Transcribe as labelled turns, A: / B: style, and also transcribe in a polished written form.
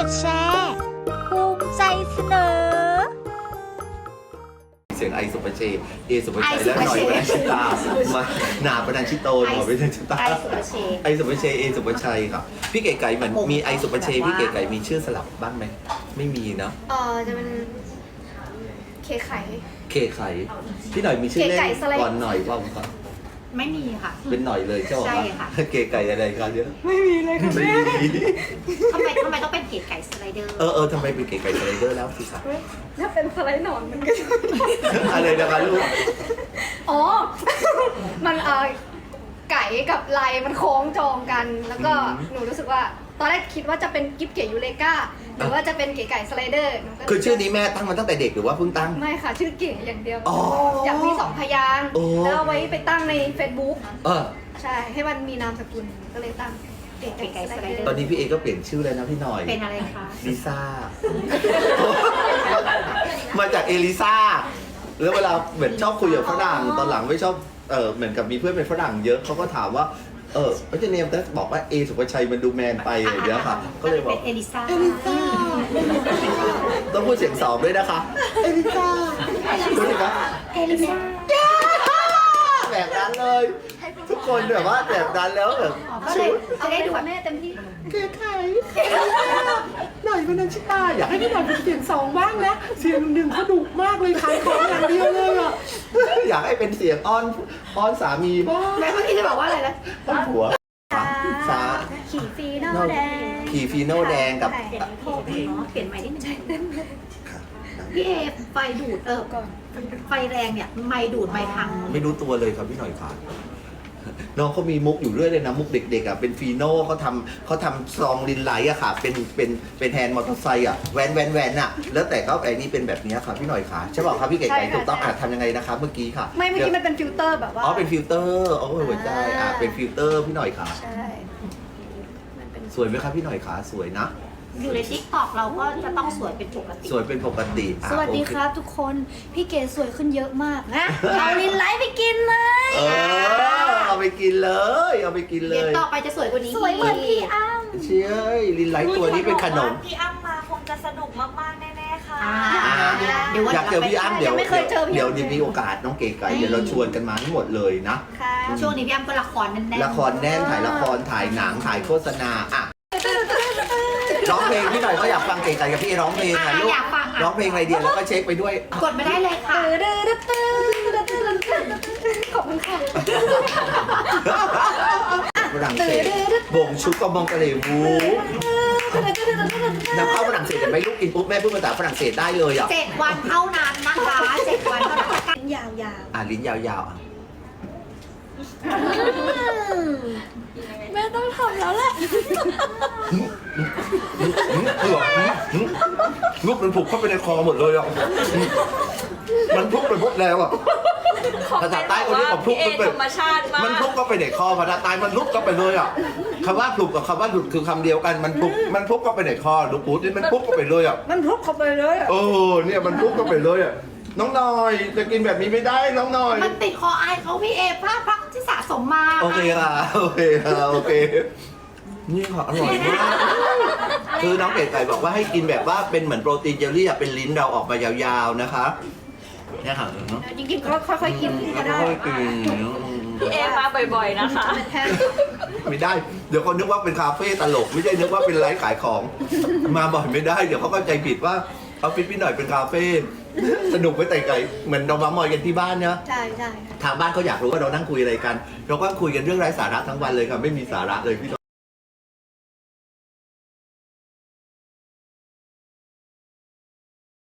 A: ดแชร์ภูมิใจเสนอ
B: เสียงไอสุปเชเอสุปชัยและหน่อยปนัญชิตามาหนาปนัญชิโตหน่อยปนัญชิตาไอสุปเชเอสุปชัยครับพี่เก๋ไก่เหมือนมีไอสุปเชพี่เก๋ไก่มีชื่อสลับบ้างไหมไม่มีเนาะ
C: จะเป็นเคไข่
B: เคไข่พี่หน่อยมีชื่อเล่นก่อนหน่อยว่าครับ
D: ไม่มีค่ะ
B: เป็นหน่อยเลยใช่ไหมค่ะเก๋ไก่อะไรกันเยอะ
D: ไม่มีเลยค่ะ
B: ไม่มี
D: ทำไมต้องเป็นเก๋ไก่สไลเดอร์
B: ทำไมเป็นเก๋ไก่สไลเดอร์แล้วสิครับ
C: ถ้าเป็นสไลด์หนอนมันก็
B: อะไรนะคะลูก
C: อ๋อมันไก่กับไลมันโค้งจองกันแล้วก็หนูรู้สึกว่าตอนแรกคิดว่าจะเป็นกิ๊บเก๋ยูเลกาหรือว่าจะเป็นเก๋ไก่สไลเดอร์
B: คือชื่อนี้แม่ตั้งมาตั้งแต่เด็กหรือว่าเพิ่งตั้ง
C: ไม่ค่ะชื่อเก๋อย่างเดียวอยากมี2 พยางค์แล้วเอาไว้ไปตั้งใน Facebook ใช่ให้มันมีนามสกุลก็เลยตั้งเก๋ไก่สไลเดอร์
B: ตอนนี้พี่เอก็เปลี่ยนชื่อเลยนะพี่หน่อย
D: เป็นอะไรคะ
B: ลิซ่ามาจากเอลิซ่าแล้วเวลาเหมือนชอบคุยกับฝรั่งตอนหลังไม่ชอบเหมือนกับมีเพื่อนเป็นฝรั่งเยอะเขาก็ถามว่าไม่ใช่เนมแต่บอกว่าเอสุภชัยมันดูแมนไปอะไรอย่างเงี้ยค่ะก็เลยบอก
D: เป็นเอลิซ่า
B: ต้องพูดเสียงสองด้วยนะคะเอลิซ่ารู้ไหมครับ
D: เอลิซ่า
B: แบบนั้นเลยทุกคนแบบว่าแบบนั้นแล้วแบบ
C: จะได้ดูแม่เต็มที่
B: เก๋ไก่หน่อยปนัญชิตาอยากให้พี่หน่อยเป็นเสียงสองบ้างนะเสียงหนึ่งเขาดุมากเลยขายของอย่างเดียวเลยอ่ะอยากให้เป็นเสียงอ้อนสามีบ้าง
C: แม่เมื่อกี้จะบอกว่าอะไรนะ
B: อ้อนผัวสา
C: ขี่ฟีโน่แดง
B: ขี่ฟีโน่แดงกับ
D: เปลี่ยนใหม่นิดนึงพี่เอไฟดูดก่อนไฟแรงเนี่ยไมดูดไมพัง
B: ไม่รู้ตัวเลยครับพี่หน่อยค่ะน้องเขามีมุกอยู่เรื่อยเลยนะมุกเด็กๆอ่ะเป็นฟีโน่เขาทำซองลินไลท์อ่ะค่ะเป็นแฮนด์มอเตอร์ไซค์อ่ะแวนอ่ะแล้วแต่เขาไอ้นี่เป็นแบบนี้ค่ะพี่หน่อยค่ะใช่ป่ะครับพี่เก๋ไก่ถูกต้องทำยังไงนะคะเมื่อกี้ค่ะ
C: เมื่อกี้มันเป็นฟิลเตอร์แบบว่า
B: เป็นฟิลเตอร์หัวใจเป็นฟิลเตอร์พี่หน่อยค่ะ
C: ใช่
B: สวยไหมครับพี่หน่อยค่ะสวยนะ
D: อยู่ในทิกตอกเราก็จะต้องสวยเป็นปกติ
B: สวยเป็นปกติ
C: สวัสดีครับทุกคนพี่เก๋สวยขึ้นเยอะมากนะเอาลินไลท์ไปกินเลย
B: เอาไปกินเลยเอาไปกินเลย
D: เดี๋ยวต่อไปจะสวยกว่านี้
C: สวยเหมือนพี่อ้ำ
B: เชี่ยลินไลท์ตัวนี้เป็นขนม
E: พี่อ้ำมาคงจะสนุกมากๆแน่ๆค่ะ
B: อยากเจอพี่อ้ำเดี๋ยวมีโอกาสน้องเก๋ไก่เดี๋ยวเราชวนกันมาทั้งหมดเลยนะ
D: ช่วงนี้พี่อ้ำก็ละครแน่น
B: ละครแน่นถ่ายละครถ่ายหนังถ่ายโฆษณาร้องเพลงพี่หน่อยก็อยากฟังเก๋ไก่กับพี่ร้องเพลงนะลูกร้องเพลงอะไรเดียวแล้วก็เช็คไปด้วย
D: กดมาได้เลยค่ะ
C: ขอบคุณค่ะ
B: ฝรั่งเศสบ่งชุกก็มองกะเหรี่ยงวูนำเข้าฝรั่งเศสแต่ไม่ลูกกินปุ๊บแม่พูดภาษาฝรั่งเศสได้เลยอ่ะ
D: 7 วันเท่านั้นนะคะ7 วันเท่านั้น
C: ลิ้นยาว
B: ลิ้นยาว
C: แม่ต้องทำแล้วแหละ
B: ลูกมันผูกเข้าไปในคอหมดเลยอ่ะมันพุกไปหมดแล้วอ่ะภาษาใต้คนนี้ผมพุกมันเป็นมันพุกก็ไปในคอภาษาใต้มันลุกก็ไปเลยอ่ะคำว่าพุกกับคำว่าหลุดคือคำเดียวกันมันพุกก็ไปในคอลูกปูนี่มันพุกก็ไปเลยอ่ะ
C: มันพุกเข้าไปเลย
B: เนี่ยมันพุกก็ไปเลยอ่ะน้องหน่อยจะกินแบบนี้ไม่ได้น้องหน่อย
D: มันติดคอไอเขาพี่เอพักที่สะสมมา
B: โอเคค่ะโอเคนี่ค่ะอร่อยมากคือน้องเก๋ไก่บอกว่าให้กินแบบว่าเป็นเหมือนโปรตีนเจลลี่เป็นลิ้นเราออกมายาวๆนะคะเนี่ยค่ะ
C: จริงๆก็ค่อยๆกินก็ได้
B: ค่อยๆกิน
E: พี่เอมาบ่อยๆนะคะ
B: ไม่ได้เดี๋ยวเขานึกว่าเป็นคาเฟ่ตลกไม่ใช่นึกว่าเป็นร้านขายของมาบ่อยไม่ได้เดี๋ยวเขาเข้าใจผิดว่าเอาฟิตพี่หน่อยเป็นคาเฟ่สนุกไปแต่ไก่เหมือนเรามามอยกันที่บ้านเนาะ
C: ใช่
B: ทางบ้านเขาอยากรู้ว่าเรานั่งคุยอะไรกันเราก็คุยกันเรื่องไร้สาระทั้งวันเลยค่ะไม่มีสาระเลยพี่